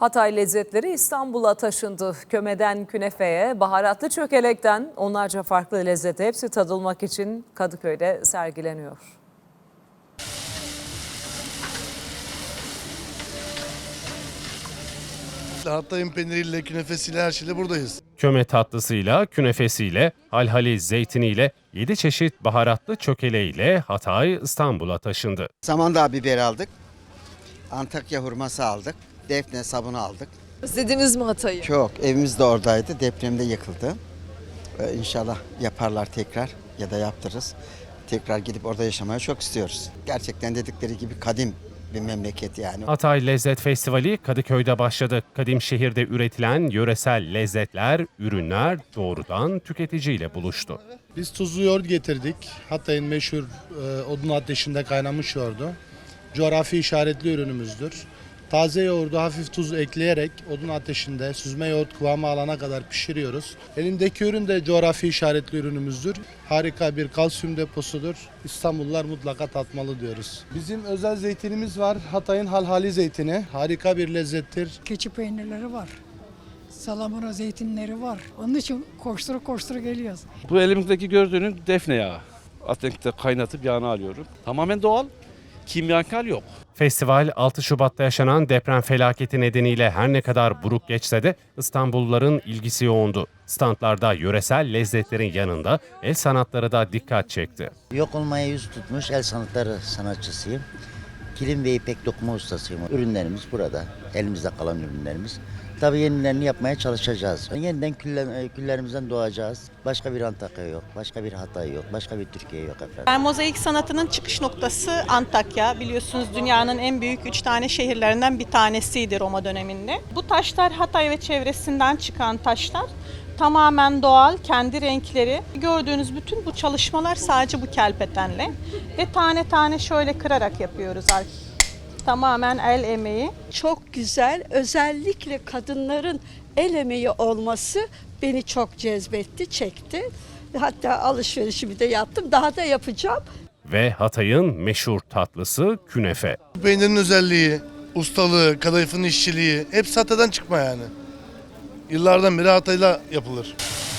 Hatay lezzetleri İstanbul'a taşındı. Kömeden künefeye, baharatlı çökelekten onlarca farklı lezzete hepsi tadılmak için Kadıköy'de sergileniyor. Hatay'ın peyniriyle, künefesiyle, her şeyle buradayız. Köme tatlısıyla, künefesiyle, halhali zeytiniyle, 7 çeşit baharatlı çökeleğiyle Hatay İstanbul'a taşındı. Samandağ biberi aldık. Antakya hurması aldık. Defne sabunu aldık. Özlediniz mi Hatay'ı? Çok. Evimiz de oradaydı. Depremde yıkıldı. İnşallah yaparlar tekrar ya da yaptırırız. Tekrar gidip orada yaşamaya çok istiyoruz. Gerçekten dedikleri gibi kadim bir memleket yani. Hatay Lezzet Festivali Kadıköy'de başladı. Kadim şehirde üretilen yöresel lezzetler, ürünler doğrudan tüketiciyle buluştu. Biz tuzlu yoğurt getirdik. Hatay'ın meşhur odun ateşinde kaynamış yoğurdu. Coğrafi işaretli ürünümüzdür. Taze yoğurdu hafif tuz ekleyerek odun ateşinde süzme yoğurt kıvamı alana kadar pişiriyoruz. Elimdeki ürün de coğrafi işaretli ürünümüzdür. Harika bir kalsiyum deposudur. İstanbullular mutlaka tatmalı diyoruz. Bizim özel zeytinimiz var. Hatay'ın halhali zeytini. Harika bir lezzettir. Keçi peynirleri var. Salamura zeytinleri var. Onun için koştura geliyoruz. Bu elimizdeki gördüğünün defne yağı. Ateşte kaynatıp yağını alıyorum. Tamamen doğal, kimyasal yok. Festival 6 Şubat'ta yaşanan deprem felaketi nedeniyle her ne kadar buruk geçse de İstanbulluların ilgisi yoğundu. Standlarda yöresel lezzetlerin yanında el sanatları da dikkat çekti. Yok olmaya yüz tutmuş el sanatları sanatçısıyım. Kilim ve ipek dokuma ustasıyım. Ürünlerimiz burada. Elimizde kalan ürünlerimiz. Tabii yenilerini yapmaya çalışacağız. Yeniden küllerimizden doğacağız. Başka bir Antakya yok, başka bir Hatay yok, başka bir Türkiye yok efendim. Mozaik sanatının çıkış noktası Antakya. Biliyorsunuz dünyanın en büyük 3 tane şehirlerinden bir tanesiydi Roma döneminde. Bu taşlar Hatay ve çevresinden çıkan taşlar. Tamamen doğal, kendi renkleri. Gördüğünüz bütün bu çalışmalar sadece bu kelpetenle. Ve tane tane şöyle kırarak yapıyoruz artık. Tamamen el emeği. Çok güzel, özellikle kadınların el emeği olması beni çok cezbetti, çekti. Hatta alışverişimi de yaptım, daha da yapacağım. Ve Hatay'ın meşhur tatlısı künefe. Peynirin özelliği, ustalığı, kadayıfın işçiliği hepsi Hatay'dan çıkma yani. Yıllardan beri Hatay'la yapılır.